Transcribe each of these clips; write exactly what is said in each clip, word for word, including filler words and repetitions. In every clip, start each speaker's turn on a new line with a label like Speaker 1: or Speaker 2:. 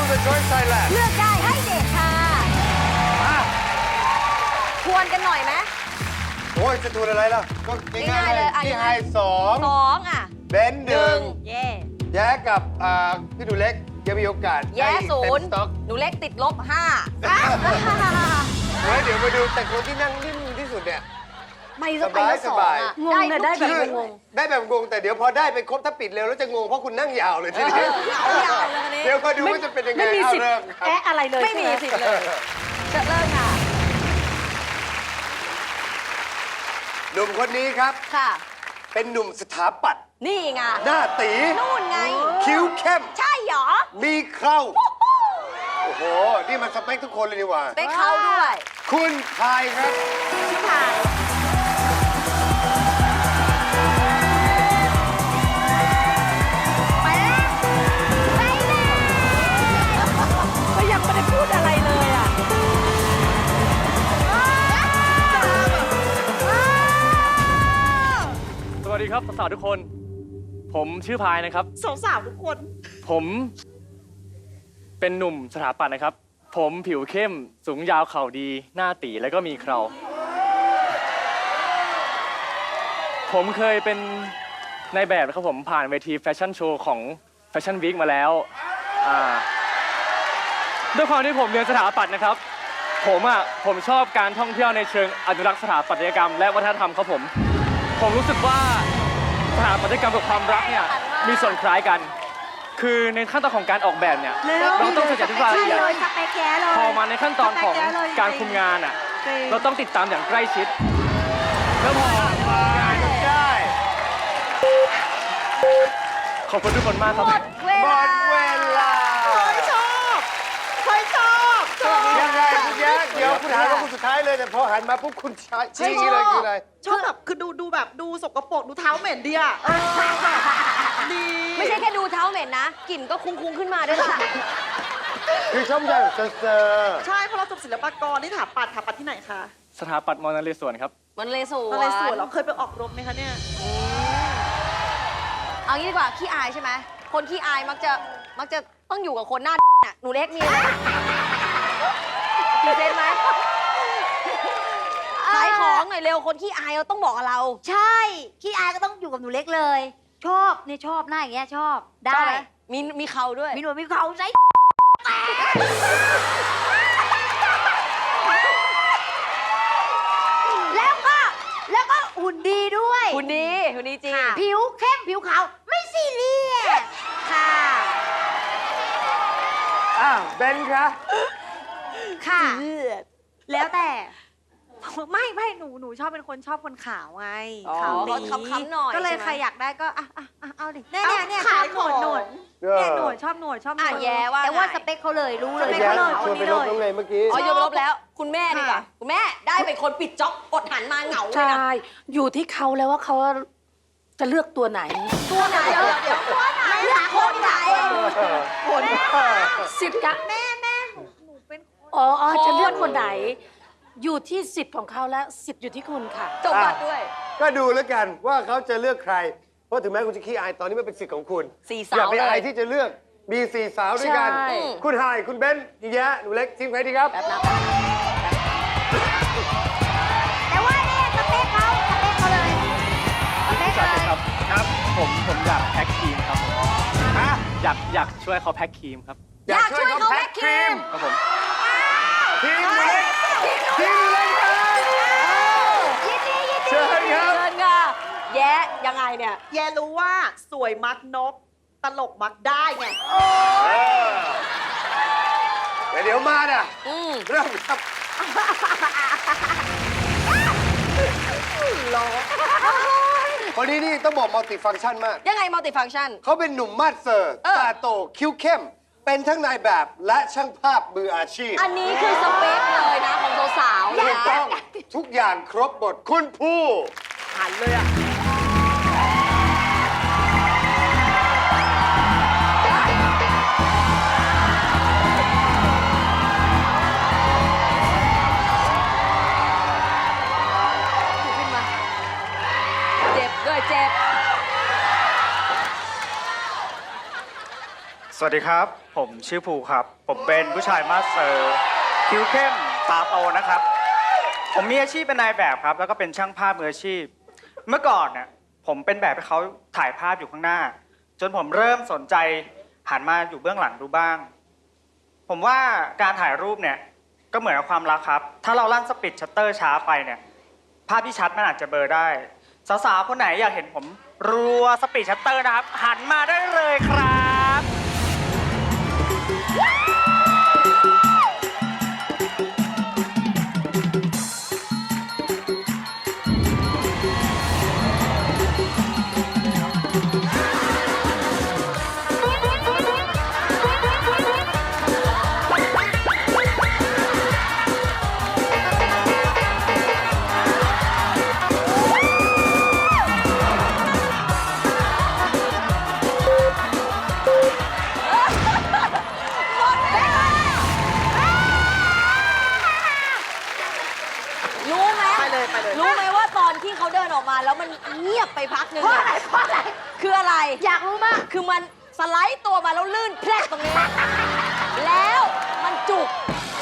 Speaker 1: the Choice Thailand
Speaker 2: เลือกได้ให้เด็กค่ะทวนกันหน่อยไหม
Speaker 1: โอ้ยจะทวนอะไรล่ะก็ง่ายๆเลยพี่ไฮสอง
Speaker 2: สองอ่ะ
Speaker 1: เบนหนึ่ง
Speaker 2: เย่
Speaker 1: แย้กับพี่หนูเล็กยังมีโอกาส
Speaker 2: แย่ศูนย์
Speaker 1: ต็มสต็อก
Speaker 2: หนูเล็กติดลบห้า
Speaker 1: เฮ้ยเดี๋ยวมาดูแต่คนที่นั่งนิ่มที่สุดเนี่ย
Speaker 2: ไม่สบายสบายงงเลยได้แบบงง
Speaker 1: ได้แบบงงแต่เดี๋ยวพอได้ไปครบถ้าปิดเร็วแล้วจะงงเพราะคุณนั่งยาวเลยทีนี้
Speaker 2: ยาวเลยนี้
Speaker 1: เดี๋ยวมาดูว่าจะเป็นยังไง
Speaker 3: ไม่มีสิทธิ์แอะอะไรเลย
Speaker 2: ไม่มีสิทธิ์เลยจะเริ่มค่ะ
Speaker 1: หนุ่มคนนี้ครับ
Speaker 2: ค่ะ
Speaker 1: เป็นหนุ่มสถาปัตย์
Speaker 2: นี่ไง
Speaker 1: หน้าตี
Speaker 2: นู่นไง
Speaker 1: คิ้วเข้ม
Speaker 2: ใช่หรอ
Speaker 1: มีเคราโอ้โห นี่มันสเปคทุกคนเลยนี่หว่า
Speaker 2: ไปเขาด้วย
Speaker 1: คุณพายครับ
Speaker 2: ชื่อพายไปแล้วไปแล้ว
Speaker 3: ก็ยังไม่ได้พูดอะไรเลยอ่ะ
Speaker 4: สวัสดีครับสาวๆทุกคน ผมชื่อพายนะครับ
Speaker 3: สาวๆทุกคน
Speaker 4: ผมเป็นหนุ่มสถาปัตย์นะครับ ผมผิวเข้มสูงยาวเข่าดีหน้าตีแล้วก็มีเคราผมเคยเป็นนายแบบนะครับผมผ่านเวทีแฟชั่นโชว์ของแฟชั่นวีคมาแล้วอ่าด้วยความที่ผมเรียนสถาปัตย์นะครับ ผมอ่ะผมชอบการท่องเที่ยวในเชิงอนุรักษ์สถาปัตยกรรมและวัฒนธรรมครับผมผมรู้สึกว่าสถาปัตยกรรมกับความรักเนี่ยมีส่วนคล้ายกัน คือในขั้นตอนของการออกแบบเนี่ยเราต้องศึกษาทุกรายละเอียดพอมาในขั้นตอนของการคุมงานอ่ะเราต้องติดตามอย่างใกล้ชิดแล้วพองานได้ ขอบคุณทุกคนมากครับ
Speaker 2: หมดเว
Speaker 1: หม
Speaker 2: ลา
Speaker 1: ดเวลา
Speaker 3: ชอบเคยชอบชอบ
Speaker 1: ยังไงคุณแย้เดี๋ยวคุณถามว่าคุณสุดท้ายเลยแต่พอหันมาปุ๊บคุณใช้ชี้อย่างนี้เลยคืออะไร
Speaker 3: ชอบแบบคือดูดูแบบดูสกปรกดูเท้าเหม็นดีอ่ะดี
Speaker 2: ไม่ใช่แค่ดูเท้าเหม็นนะกลิ่นก็คุ้งๆขึ้นมาด้วยล่ะ
Speaker 1: คือชอบอย่างเซอร์
Speaker 3: ใช่เพราะเราจบศิลปากรนี่ถาปัดถาปัดที่ไหนคะ
Speaker 4: สถาปัตย์มอญนเรศวรครับ
Speaker 2: มันเลยสวน
Speaker 3: อะไรสวนเราเคยไปออกรบไหมคะเนี่ย
Speaker 2: เอางี้ดีกว่าขี้อายใช่ไหมคนขี้อายมักจะมักจะต้องอยู่กับคนหน้าน่ะหนูเล็กมีอะไรมีเซนไหมขายของหน่อยเร็วคนขี้อายเราต้องบอกกับเรา
Speaker 5: ใช่ขี้อายก็ต้องอยู่กับหนูเล็กเลย ชอบเนี่ยชอบหน้าอย่างเงี้ยชอบได้
Speaker 2: ชอบหมมีมีเขาด้วย
Speaker 5: มีหนวดมีเขาใส่แล้วก็แล้วก็หุ่นดีด้วย
Speaker 2: คุณดีคุณดีจริง
Speaker 5: ผิวเข้มผิวขาวไม่ซีเรียสค่ะ
Speaker 1: ๆอ้าวเบนคะ
Speaker 5: ค่ะ
Speaker 3: แล้วแต่
Speaker 5: ไม่ไม่หนูหนูชอบเป็นคนชอบคนขาวไง
Speaker 2: อ๋อ
Speaker 5: ขาว
Speaker 2: เขาค้ำๆหน่อย
Speaker 5: ก็เลย
Speaker 2: ใช่ไหม
Speaker 5: ใครอยากได้ก็อ่ะอ่ะอ่ะเอาดิเนี่ยเนี่ยเนี่ย
Speaker 3: ขาย
Speaker 5: ชอบหนวด
Speaker 3: ของ
Speaker 5: หนวดเนี่ยหนวดชอบหนวดชอบหน
Speaker 2: อ่ะ
Speaker 5: วด
Speaker 2: แย่ว่า
Speaker 5: แต่ว่า
Speaker 2: ไง
Speaker 5: สเปคเขาเลยรู้เลย
Speaker 1: แย้
Speaker 5: เขาเลย
Speaker 1: ช
Speaker 5: ค
Speaker 1: วน นไป
Speaker 5: นี้
Speaker 1: ล
Speaker 5: เล
Speaker 1: บ
Speaker 5: ย
Speaker 1: น้องเลยเมื่อกี้
Speaker 2: อ๋อโยนไปลบแล้ว คุณแม่ดีกว่าคุณแม่ได้เป็นคนปิดจ็อบอดหันมาเหงาเลย
Speaker 3: ใช่
Speaker 2: นะ
Speaker 3: อยู่ที่เขาแล้วว่าเขาจะเลือกตัวไหน
Speaker 2: ตัวไหนเดี๋ยวเดี๋ยวตัวไหนเลือกคนไหน
Speaker 3: คนสิทธิ์กะ
Speaker 5: แม่แม่หนูหนูเป็นคน
Speaker 3: อ๋ออ๋อจะเลือกคนไหน อยู่ที่สิทธิ์ของเขาแล้วสิทธิ์อยู่ที่คุณค่ะ
Speaker 2: จบบัตรด้วย
Speaker 1: ก็ดูแล้วกันว่าเขาจะเลือกใคร เพราะถึงแม้คุณจะขี้อายตอนนี้มันเป็นสิทธิ์ของคุณ
Speaker 2: สี่
Speaker 1: อย่า
Speaker 2: สาว
Speaker 1: ไป
Speaker 2: เล
Speaker 1: อาย
Speaker 2: ย
Speaker 1: ที่จะเลือกมีสี่สาวด้วยกัน
Speaker 3: ใช่
Speaker 1: คุณไฮายคุณเบนพี่แย้หนูเล็กทีมใครดีครับ
Speaker 2: แบบนั้น
Speaker 5: แต่ว่าเนี่ยสเปคเขาสเปคเขาเลยสเปค
Speaker 4: จัด
Speaker 5: เล
Speaker 4: เลย
Speaker 5: ย
Speaker 4: ครับครับผมผมอยากแพ็คครีมครับผม
Speaker 1: ฮะ
Speaker 4: อยากอยากช่วยเขาแพ็คครีมครับ
Speaker 2: อยากช่วยเขาแพ็คครีม
Speaker 4: ครับผม
Speaker 1: ทีมหนูเล็กทีมหนูเล็กครับ
Speaker 5: ยินดียินดี
Speaker 1: เชิญครับ
Speaker 2: เชิญค่ะแย่ยังไงเนี่ย
Speaker 3: แย่รู้ว่าสวยมักนกตลกมักได้ไง
Speaker 1: เออแต่เดี๋ยวมาน่ะ
Speaker 2: อืม
Speaker 1: เริ่มครับ คนนี้นี่ต้องบอกมัลติฟังก์ชันมาก
Speaker 2: ยังไงมัลติฟังก์ชัน
Speaker 1: เขาเป็นหนุ่มมาสเซอร์
Speaker 2: เออ
Speaker 1: ตาโต คิ้วเข้ม เป็นทั้งนายแบบและช่างภาพมืออาชีพ
Speaker 2: อันนี้คือสเปคเลยนะของสาวๆ
Speaker 1: ถู
Speaker 2: นะ
Speaker 1: กต้องทุกอย่างครบบทคุณผู้
Speaker 3: หันเลยอ่ะ
Speaker 2: ขึ้นมา เจ็บด้วยเจ็บ
Speaker 1: ส
Speaker 6: วัสดีครับ ผมชื่อภูครับ ผมเป็นผู้ชายมาสเตอร์คิ้วเข้มตาโตนะครับ ผมมีอาชีพเป็นนายแบบครับ แล้วก็เป็นช่างภาพมืออาชีพ เมื่อก่อนเนี่ยผมเป็นแบบให้เขาถ่ายภาพอยู่ข้างหน้า จนผมเริ่มสนใจหันมาอยู่เบื้องหลังดูบ้าง ผมว่าการถ่ายรูปเนี่ยก็เหมือนกับความรักครับ ถ้าเราลั่นสปีดชัตเตอร์ช้าไปเนี่ยภาพที่ชัดมันอาจจะเบลอได้ สาวๆคนไหนอยากเห็นผมรัวสปีดชัตเตอร์นะครับหันมาได้เลยครับ
Speaker 2: รู้ไหม
Speaker 3: ไปเลยไปเลย
Speaker 2: รู้ไหมว่าตอนที่เขาเดินออกมาแล้วมันเงียบไปพักหนึ่ง
Speaker 5: เพราะ
Speaker 2: อะ
Speaker 5: อะไรเพราะอะไร
Speaker 2: คืออะไร
Speaker 5: อยากรู้มาก
Speaker 2: คือมันสไลด์ตัวมาแล้วลื่นแพรกตรงนี้ แล้วมันจุก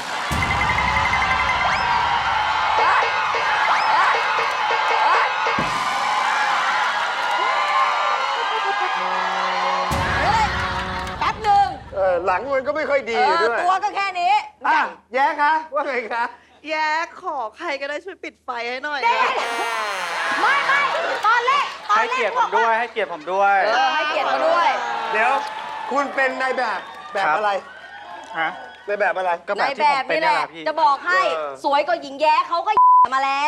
Speaker 2: เฮ้ยแป๊บหนึ่ง
Speaker 1: เออหลังมันก็ไม่ค่อยดี
Speaker 2: เออ
Speaker 1: ด้วย
Speaker 2: ตัวก็แค่นี้
Speaker 1: อ่ะแย้คะว่าไงคะ
Speaker 3: แย่ขอใครก็ได้ช่วยปิดไฟให้หน่อย
Speaker 5: เด็กไม่ไม่ตอนแรกตอน
Speaker 6: ให้
Speaker 5: แรก
Speaker 6: เกียรติผมด้วยให้เกียรติผมด้วย
Speaker 2: เออให้เกียรติเขาด้วย
Speaker 1: เดี๋ยวคุณเป็นนายแบบแบบ
Speaker 6: ครับ
Speaker 1: อะไร
Speaker 6: ฮะ
Speaker 1: นายแบบอะไร
Speaker 6: ก็แบ
Speaker 2: ใน
Speaker 6: บที่
Speaker 2: แบ
Speaker 6: ผม
Speaker 2: บ
Speaker 6: เป็น
Speaker 2: นี่แห
Speaker 6: นี่แห
Speaker 2: ละ
Speaker 6: ละพี่
Speaker 2: จะบอกให้
Speaker 1: เออ
Speaker 2: สวยกว่าหญิงแย้เขาก็มาแล้ว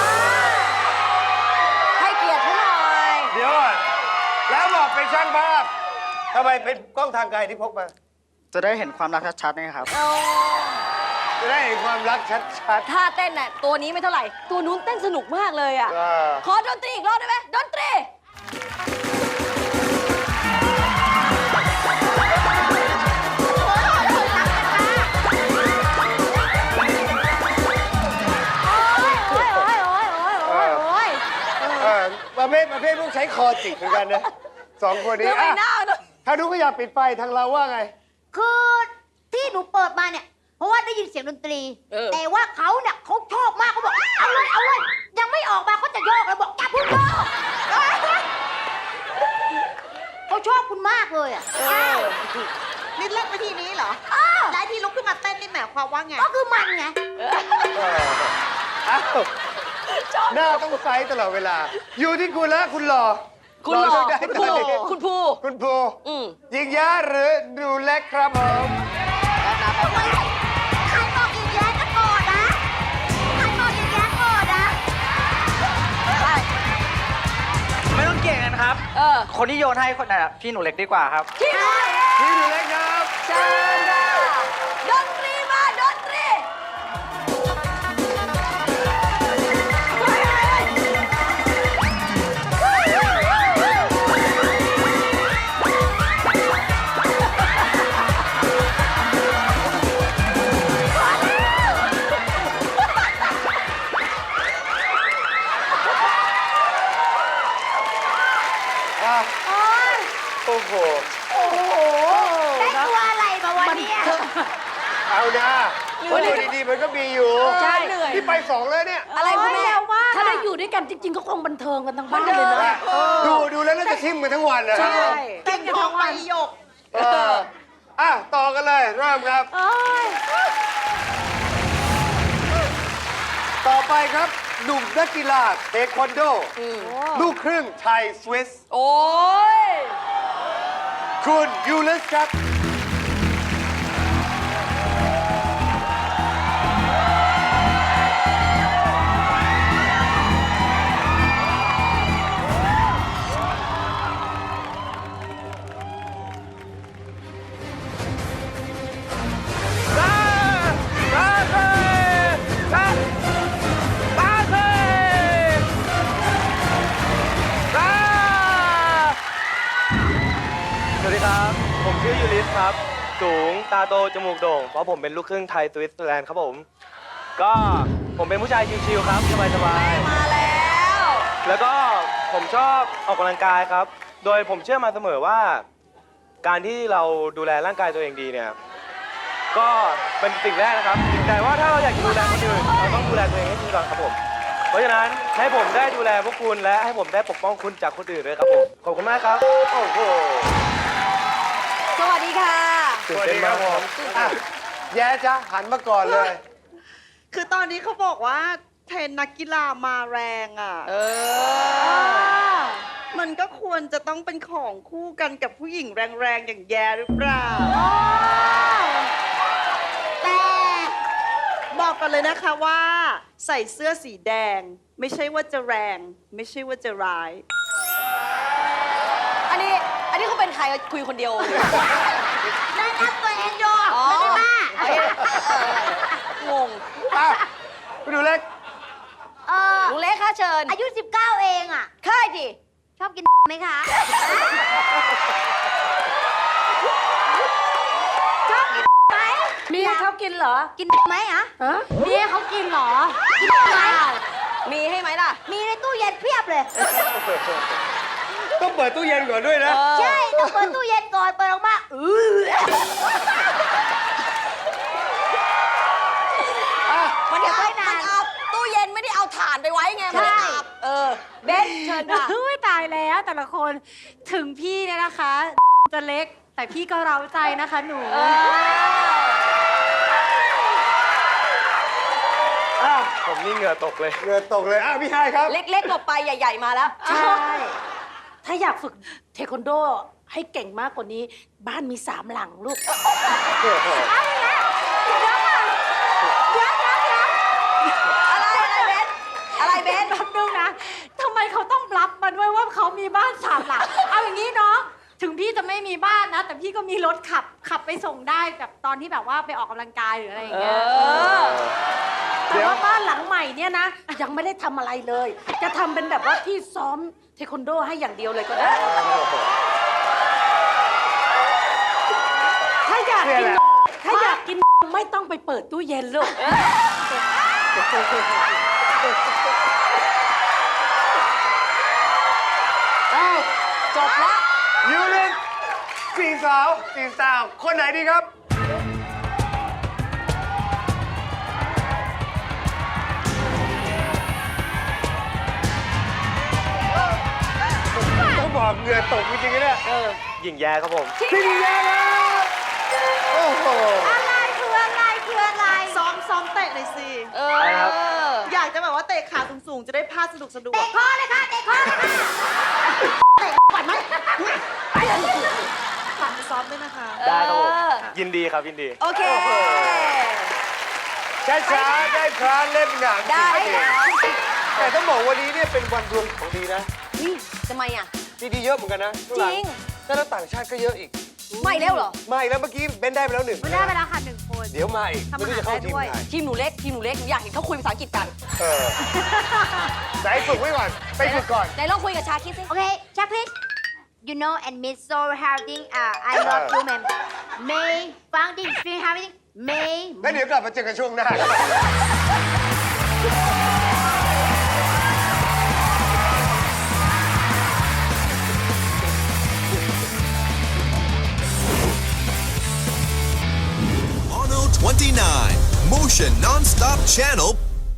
Speaker 2: ให้เกียรติเขาหน่อย
Speaker 1: เดี๋ยวก่อนแล้วบอกเป็นช่างภาพทำไมเป็นกล้องทางไกลที่พกมา
Speaker 6: จะได้เห็นความรักชัดๆนะครับ
Speaker 1: จะได้เห็นความรักชัด
Speaker 2: ถ้าเต้นน่ะตัวนี้ไม่เท่าไหร่ ตัวนู้นเต้นสนุกมากเลยอ่ะ
Speaker 1: ๆเออ
Speaker 2: ขอดนตรีอีกรอบได้ไหมดนตรี
Speaker 5: โอ้ยโอ้ยโอ้ยโอ้ยโอ้ยโอ้ย
Speaker 1: เออประเภทประเภทพวกใช้คอจิกเหมือนกันนะสองคนนี้
Speaker 2: เรื่องไม่
Speaker 1: อ่ะ
Speaker 2: น่าเนอะ
Speaker 1: ถ้าดูก็อยากปิดไฟทางเราว่าไง
Speaker 5: คือที่หนูเปิดมาเนี่ย เพราะว่าได้ยินเสียงดนตรี แต่ว่าเขาเนี่ยเขาชอบมากเขาบอกเอาเลยเอาเลยยังไม่ออกมาเขาจะโยกแล้วบอกอย่าเพิ่งโยกเขาชอบคุณมากเลยอ่ะ
Speaker 3: นี่เล่นวิธีนี้เหรอ
Speaker 5: อ้าว
Speaker 3: แล้วที่ลุกขึ้นมาเต้นนี่หมายความว่าไง
Speaker 5: ก็คือมันไง
Speaker 1: อ้าวหน้าต้องไซส์ตลอดเวลา อยู่ที่คุณแล้วคุณหล่อ
Speaker 2: คุณหล่อ
Speaker 1: เลืกได้
Speaker 2: คุณ
Speaker 1: ตอน
Speaker 2: ภู
Speaker 1: นี้
Speaker 2: คุณภู
Speaker 1: คุณภู
Speaker 2: อืม
Speaker 1: ยิงยาหรือดูเล็กครับผม
Speaker 5: ใครบอกอีกแย้ก็โกรธนะใครบอกอีกแย้โกรธนะ
Speaker 6: ไม่ต้องเก่งกันครับ
Speaker 2: เออ
Speaker 6: คนที่โยนให้คนน่ะพี่หนูเล็กดีกว่าครับ
Speaker 2: ที่ไหน
Speaker 1: พี่ดูเล็กครับ
Speaker 2: เชิญค่ะดนตรีมาดนตรี
Speaker 1: อ่ะ
Speaker 5: โอ้ย
Speaker 1: โอ้โห
Speaker 5: โอ้โหได้ตัวอะไรมาวันนี้
Speaker 1: เอานะวันนี้ดีๆมันก็มีอยู่
Speaker 2: ใช่เหนื่อย
Speaker 1: ที่ไปสองเลยเนี่ย
Speaker 2: อะไรคุณแม่
Speaker 7: ถ้าได้อยู่ด้วยกันจริง ๆ ก็คงบันเทิงกันทั้งบ้านเลยนะ
Speaker 1: ดูดูแล้วน่าจะทิมกันทั้งวันเลย
Speaker 7: ใช่
Speaker 3: เต้นทองใบหยก
Speaker 1: เอออ่ะต่อกันเลยเริ่มครับ
Speaker 5: โอ้ย
Speaker 1: ต่อไปครับหนุ่มนักกีฬาเทควันโด ลูกครึ่งไทยสวิส
Speaker 2: โอ้ย
Speaker 1: คุณยูลิสครับ
Speaker 8: สวัสดีครับ ผมชื่อยูริสครับ สูง ตาโต จมูกโด่ง เพราะผมเป็นลูกครึ่งไทยสวิตเซอร์แลนด์ครับผม ก็ผมเป็นผู้ชายชิวๆครับ สบายๆ
Speaker 2: มาแล้ว
Speaker 8: แล้วก็ผมชอบออกกำลังกายครับ โดยผมเชื่อมาเสมอว่าการที่เราดูแลร่างกายตัวเองดีเนี่ยก็เป็นสิ่งแรกนะครับแต่ว่าถ้าเราอยากจะดูแลคนอื่นเราต้องดูแลตัวเองให้ดีก่อนครับผมเพราะฉะนั้นให้ผมได้ดูแลพวกคุณและให้ผมได้ปกป้องคุณจากคนอื่นด้วยครับผมขอบคุณมากครับโอ้โห
Speaker 2: สวัสดีค่ะ
Speaker 1: สวัสดีครับผมอ่ะแย่จ้ะหันมาก่อนเลย
Speaker 3: คือตอนนี้เขาบอกว่าเทรนนักกีฬามาแรงอ่ะ
Speaker 2: เออ
Speaker 3: มันก็ควรจะต้องเป็นของคู่กันกับผู้หญิงแรงๆ อย่างแยหรือเปล่า แต่บอกกันเลยนะคะว่าใส่เสื้อสีแดง ไม่ใช่ว่าจะแรง ไม่ใช่ว่าจะร้าย
Speaker 2: อันนี้ อันนี้เขาเป็นใครคุยคนเดียว
Speaker 5: แนะนำตัวเองโย
Speaker 2: อ๋อ
Speaker 5: ไม่ได้บ้า
Speaker 2: เอ้ยงง
Speaker 1: อ้าวไปดูเล็ก
Speaker 5: เออ
Speaker 2: ลุงเล็กค่ะเชิญ
Speaker 5: อายุ สิบเก้า เองอ่ะ
Speaker 2: ค่ายดิ
Speaker 5: ชอบกินไหมคะ ชอบกินไหม
Speaker 7: มีให้เขากินเหรอ
Speaker 5: กินไหมอ่ะ
Speaker 7: ฮะมีให้เขากินเหรอ
Speaker 5: กินไหม
Speaker 2: มีให้ไหมล่ะ
Speaker 5: มีในตู้เย็นเพียบเลย
Speaker 1: ต้องเปิดตู้เย็นก่อนด้วยนะ
Speaker 5: ใช่ ต้องเปิดตู้เย็นก่อน เปิดออกมาอือ
Speaker 2: มัน
Speaker 5: อย่า
Speaker 2: เอา
Speaker 5: ไว้นาน
Speaker 2: มันเอาตู้เย็นไม่ได้เอาถ่านไปไว้ไง มัน
Speaker 5: ใช่
Speaker 2: อาบเออ เบนเชิญค่ะ
Speaker 9: อุ้ยตายแล้วแต่ละคนถึงพี่เนี่ยนะคะ จะเล็กแต่พี่ก็เร้าใจนะคะหนู
Speaker 2: เออ
Speaker 1: อ้าว
Speaker 8: ผมนี่เหงื่อตกเลย
Speaker 1: เหงื่อตกเลย อ้าวพี่ไฮายครับ
Speaker 2: เล็กๆหลบไปใหญ่ ๆ มาแล้ว
Speaker 7: ใช่ ถ้าอยากฝึกเทควันโดให้เก่งมากกว่านี้ บ้านมีสามหลังลูก
Speaker 2: อะไรอะไรเบนอะไรเบน
Speaker 9: แป๊บนึงนะทำไมเขาต้องรับมาด้วยว่าเขามีบ้านสามหลัง เอาอย่างนี้เนาะถึงพี่จะไม่มีบ้านนะ แต่พี่ก็มีรถขับขับไปส่งได้แบบตอนที่แบบว่าไปออกกำลังกายหรืออะไรอย่างเงี้ย
Speaker 2: เออ
Speaker 7: แต่ว่าบ้านหลังใหม่เนี่ยนะ ยังไม่ได้ทำอะไรเลย จะทำเป็นแบบว่าที่ซ้อมเทควันโดให้อย่างเดียวเลยก็ได้ ถ้าอยากกิน ถ้าอยากกินไม่ต้องไปเปิดตู้เย็นลูก
Speaker 1: อ้าว
Speaker 2: จบแล้ว
Speaker 1: ยูรินสี่สาวสี่สาว คนไหนดีครับ ต้องบอกเหงื่อตกจริงๆเนี่ย
Speaker 8: หญิงแย่ครับผม
Speaker 1: พี่ดีแย่แล้วโอ้โห
Speaker 5: อะไรคืออะไรคืออะไร
Speaker 3: ซ้อมซ้อมเตะหน่อยสิ
Speaker 2: เอ
Speaker 8: อะไรครับ
Speaker 2: อ
Speaker 3: อยากจะแบบว่าเตะขาสูงๆ จะได้พาสนุกสนุก
Speaker 5: เตะคอเลยค่ะ เตะคอเลยค่ะ เตะก่อนไหม
Speaker 3: ฝากไปซ้อมด้วยนะคะ
Speaker 8: ได้ครับผม
Speaker 2: เออ
Speaker 8: ยินดีครับยินดี
Speaker 2: โอเค
Speaker 1: ช้าๆได้พรานเล่นหนัง
Speaker 2: ได้
Speaker 1: จริง
Speaker 2: แล้ว
Speaker 1: ๆแต่ต้องบอกวันนี้เนี่ยเป็นวันรวมของดีนะ
Speaker 2: นี่ทำไมอ่ะ
Speaker 1: ดีๆเยอะเหมือนกันนะ
Speaker 2: จริง
Speaker 1: แล้วต่างชาติก็เยอะอีก
Speaker 2: ไม่แล้วเหรอ
Speaker 1: มาอีกแล้วเมื่อกี้เบนได้ไปแล้วหนึ่ง
Speaker 9: ได้ไปแล้วค่ะหนึ่งคน
Speaker 1: เดี๋ยวมาอีกไม่รู้จะเข้าทีมไหน
Speaker 2: ทีมหนูเล็ก ทีมหนูเล็ก หนูอยากเห็นเขาคุยภาษาอังกฤษกัน
Speaker 1: เออไหนฝึกไว้ก่อน ไปฝึกก่อน
Speaker 2: ไหนลองคุยกับชาคิดสิ
Speaker 5: Okay, Chuck, please. You know, and Miss So Harding, uh, I love you, man. May founding, Spring Harding, May.
Speaker 1: แล้วเดี๋ยวกลับมาเจอกันช่วงหน้า
Speaker 10: Mono twenty-nine, Motion Non-Stop Channel